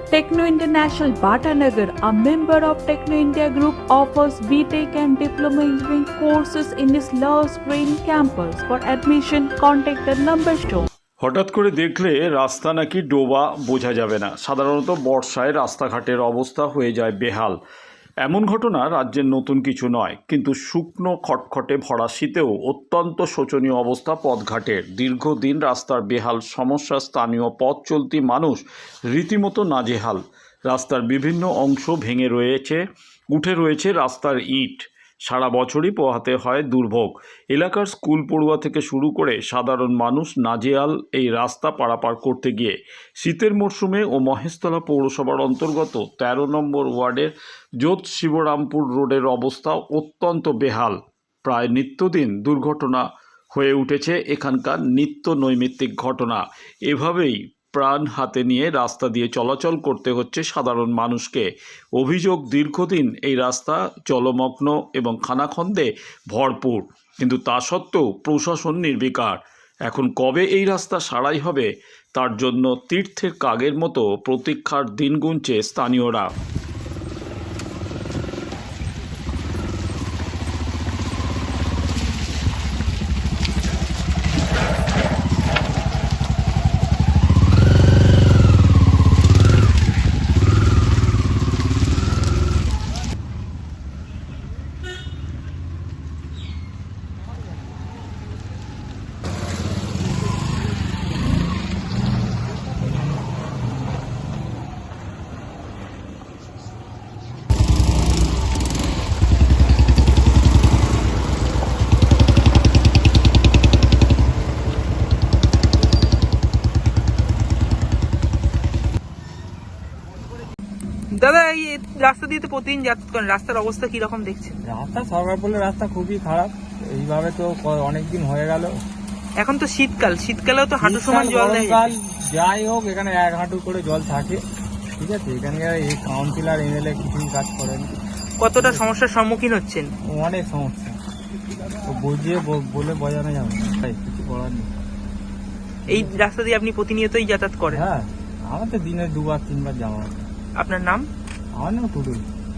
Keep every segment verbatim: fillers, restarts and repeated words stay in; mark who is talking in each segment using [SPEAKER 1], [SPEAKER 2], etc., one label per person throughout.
[SPEAKER 1] Techno International Bhatanagar, a member of Techno India Group, offers B Tech and Diploma Engineering courses in its Love Green campus. For admission, contact the number shown.
[SPEAKER 2] হঠাৎ করে দেখলে রাস্তা নাকি ডোবা বোঝা যাবে না। সাধারণত বর্ষায় রাস্তাঘাটের অবস্থা হয়ে যায় বেহাল। এমন ঘটনা রাজ্যের নতুন কিছু নয়, কিন্তু শুকনো খটখটে ভরা শীতেও অত্যন্ত শোচনীয় অবস্থা পথঘাটের। দীর্ঘদিন রাস্তার বেহাল সমস্যা স্থানীয় পথ চলতি মানুষ রীতিমতো নাজেহাল। রাস্তার বিভিন্ন অংশ ভেঙে রয়েছে, উঠে রয়েছে রাস্তার ইট। সারা বছরই পোহাতে হয় দুর্ভোগ। এলাকার স্কুল পড়ুয়া থেকে শুরু করে সাধারণ মানুষ নাজেহাল এই রাস্তা পারাপার করতে গিয়ে। শীতের মরশুমে ও মহেশতলা পৌরসভার অন্তর্গত তেরো নম্বর ওয়ার্ডের যোধ শিবরামপুর রোডের অবস্থা অত্যন্ত বেহাল। প্রায় নিত্যদিন দুর্ঘটনা হয়ে উঠেছে এখানকার নিত্য নৈমিত্তিক ঘটনা। এভাবেই প্রাণ হাতে নিয়ে রাস্তা দিয়ে চলাচল করতে হচ্ছে সাধারণ মানুষকে। অভিযোগ, দীর্ঘদিন এই রাস্তা জলমগ্ন এবং খানাখন্দে ভরপুর, কিন্তু তা সত্ত্বেও প্রশাসন নির্বিকার। এখন কবে এই রাস্তা সারাই হবে, তার জন্য তীর্থের কাগের মতো প্রতীক্ষার দিন গুনছে স্থানীয়রা।
[SPEAKER 3] দাদা, এই রাস্তা দিয়ে তো প্রতিদিন যাতায়াত করেন, রাস্তার অবস্থা কি রকম দেখছেন?
[SPEAKER 4] রাস্তা সরকার বলে রাস্তা খুবই খারাপ। এইভাবে তো অনেকদিন হয়ে গেল।
[SPEAKER 3] এখন তো শীতকাল, শীতকালেও তো হাঁটু সমান জল দেয়।
[SPEAKER 4] শীতকাল যাই হোক, এখানে এক হাঁটু করে জল থাকে, ঠিক আছে। এখানে এই কাউন্সিলর এমএলএ কিছুই কাজ করেন।
[SPEAKER 3] কতটা সমস্যার সম্মুখীন হচ্ছেন?
[SPEAKER 4] অনেক সমস্যা, তো বুঝিয়ে বলে বোঝানো যাবে না, তাই কিছু করার নেই।
[SPEAKER 3] এই রাস্তা দিয়ে আপনি প্রতিনিয়তই যাতায়াত করেন?
[SPEAKER 4] হ্যাঁ, আমার তো দিনে দুবার তিনবার যাওয়া।
[SPEAKER 3] আপনার নাম?
[SPEAKER 4] আমার নাম টুডু।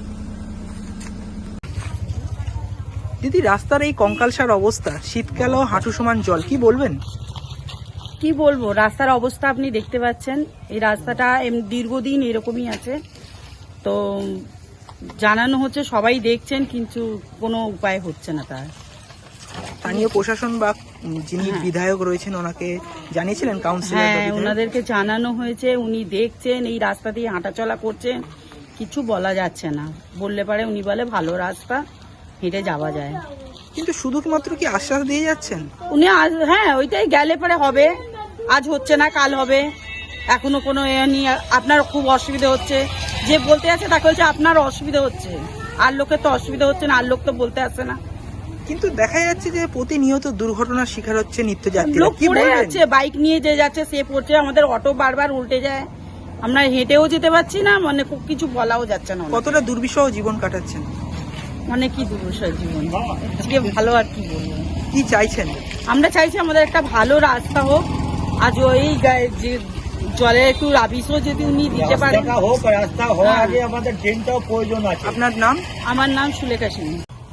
[SPEAKER 3] দিদি, রাস্তার এই কঙ্কালসার অবস্থা, শীতকালেও হাঁটু সমান জল, কি বলবেন?
[SPEAKER 5] কি বলবো, রাস্তার অবস্থা আপনি দেখতে পাচ্ছেন। এই রাস্তাটা দীর্ঘদিন এরকমই আছে, তো জানানো হচ্ছে, সবাই দেখছেন, কিন্তু কোনো উপায় হচ্ছে না তার।
[SPEAKER 3] স্থানীয় প্রশাসন বা যিনি বিধায়ক রয়েছেন ওনাকে জানিয়েছিলেন? কাউন্সিলর?
[SPEAKER 5] হ্যাঁ, ওনাদেরকে জানানো হয়েছে, উনি দেখছেন, এই রাস্তা দিয়ে হাঁটাচলা করছেন, কিছু বলা যাচ্ছে না। বললে পারে উনি বলে ভালো রাস্তা, হেঁটে যাওয়া যায়।
[SPEAKER 3] কিন্তু শুধুমাত্র কি আশ্বাস দিয়ে যাচ্ছেন
[SPEAKER 5] উনি? আজ হ্যাঁ, ওইটাই, গেলে পরে হবে, আজ হচ্ছে না কাল হবে। এখনো কোনো এ নিয়ে আপনার খুব অসুবিধা হচ্ছে, যে বলতে আছে তাকে বলছে আপনার অসুবিধা হচ্ছে, আর লোকের তো অসুবিধা হচ্ছে না, আর লোক তো বলতে আসে না।
[SPEAKER 3] কিন্তু দেখা যাচ্ছে যে প্রতিনিয়ত দুর্ঘটনার শিকার হচ্ছে নিত্যযাত্রীরা।
[SPEAKER 5] লোক পড়ে যাচ্ছে, বাইক নিয়ে যে যাচ্ছে সে পড়ছে, আমাদের অটো বারবার উল্টে যায়, আমরা হেঁটেও যেতে পারছি না, মানে কিছু বলাও যাচ্ছে না।
[SPEAKER 3] কতটা দুর্বিষহ জীবন কাটাচ্ছেন?
[SPEAKER 5] মানে কি দুর্বিষহ জীবন, আজকে ভালো আর কি বলবো।
[SPEAKER 3] কি চাইছেন?
[SPEAKER 5] আমরা চাইছি আমাদের একটা ভালো রাস্তা হোক, আজ ওই যে জলের একটু রাবিশও যদি উনি দিতে পারেন।
[SPEAKER 4] রাস্তা হওয়ার আগে আমাদের ট্রেনটাও প্রয়োজন আছে।
[SPEAKER 3] আপনার নাম?
[SPEAKER 5] আমার নাম সুলেখা সিং।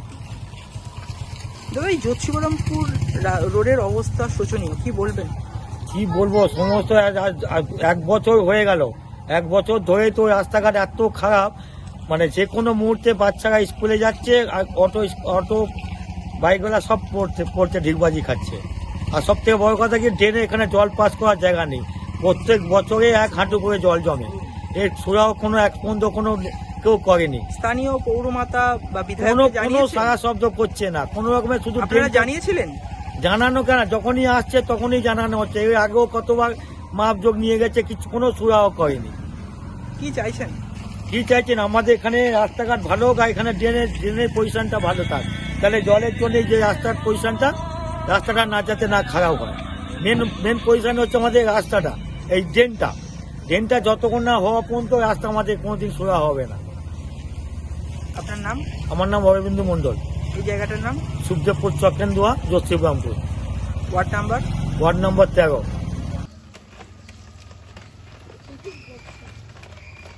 [SPEAKER 3] দাদা, এই যোধ শিবরামপুর রোডের অবস্থা শোচনীয়, কি বলবেন?
[SPEAKER 4] কি বলবো, সমস্ত এক বছর হয়ে গেল, এক বছর ধরে তো রাস্তাঘাট এত খারাপ, মানে যে কোনো মুহূর্তে বাচ্চারা স্কুলে যাচ্ছে আর অটো অটো বাইকওয়ালা সব পড়তে পড়তে ঢিকবাজি খাচ্ছে। আর সব থেকে বড় কথা কি, ড্রেনে এখানে জল পাস করার জায়গা নেই, প্রত্যেক বছরে এক হাঁটু করে জল জমে। এর সুরাও কোনো এক পর্যন্ত কোনো কেউ করেনি।
[SPEAKER 3] স্থানীয় পৌরমাতা বা বিধায়ক
[SPEAKER 4] কোনো কোনো সারা শব্দ করছে না, কোনো রকমের। শুধু
[SPEAKER 3] আপনারা জানিয়েছিলেন?
[SPEAKER 4] জানানো কেন, যখনই আসছে তখনই জানানো হচ্ছে। এর আগেও কতবার মাপযোগ নিয়ে গেছে, কিছু কোনো সুরাও করেনি।
[SPEAKER 3] কি চাইছেন?
[SPEAKER 4] কি চাইছেন, আমাদের এখানে রাস্তাঘাট ভালো হোক, এখানে ড্রেনের ড্রেনের পজিশনটা ভালো থাক, তাহলে জলের জন্য যে রাস্তার পজিশনটা, রাস্তাটা না যাতে না খারাপ হয়। মেন মেন পজিশন হচ্ছে আমাদের রাস্তাটা, এই ড্রেনটা ড্রেনটা যতক্ষণ না হওয়া পর্যন্ত রাস্তা আমাদের কোনোদিন সোজা হবে না।
[SPEAKER 3] আপনার নাম?
[SPEAKER 4] আমার নাম অরবিন্দু মন্ডল।
[SPEAKER 3] এই জায়গাটার নাম?
[SPEAKER 4] Sukhdebpur Chakendua, Jodh Shibrampur.
[SPEAKER 3] Ward number?
[SPEAKER 4] Ward number তেরো।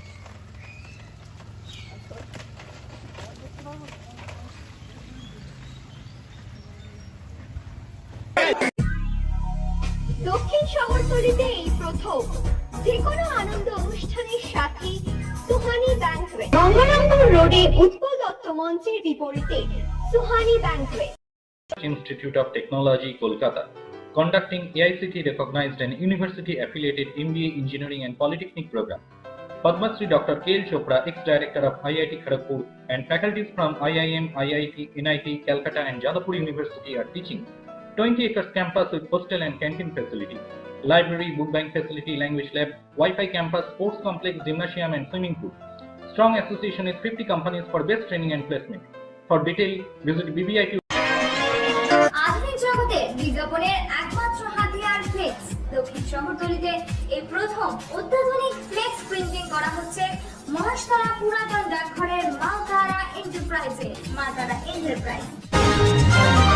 [SPEAKER 6] শহরতলিতে এই প্রথম যে কোনো আনন্দ অনুষ্ঠানের সাথে সুহানি ব্যাংকুয়েট, গঙ্গারামপুর রোডে উৎপল দত্ত মঞ্চের বিপরীতে Suhani banquet.
[SPEAKER 7] Institute of Technology, Kolkata, conducting A I C T recognized and university affiliated M B A Engineering and Polytechnic program. Padma Shri Doctor K L Chopra, ex-director of I I T Kharagpur, and faculties from I I M, I I T, N I T, Calcutta and Jadavpur University are teaching. twenty acres campus with hostel and canteen facility, library, book bank facility, language lab, Wi-Fi campus, sports complex, gymnasium and swimming pool. Strong association with fifty companies for best training and placement. For detail, visit B B I T.
[SPEAKER 6] আধুনিক জগতে বিজ্ঞাপনের একমাত্র হাতিয়ার flakes. দক্ষিণ শহরতলিতে এই প্রথম অত্যাধুনিক flakes printing করা হচ্ছে মহাশতলা পুরাতন ডাকঘরের মা তারা এন্টারপ্রাইজে। মা তারা এন্টারপ্রাইজ।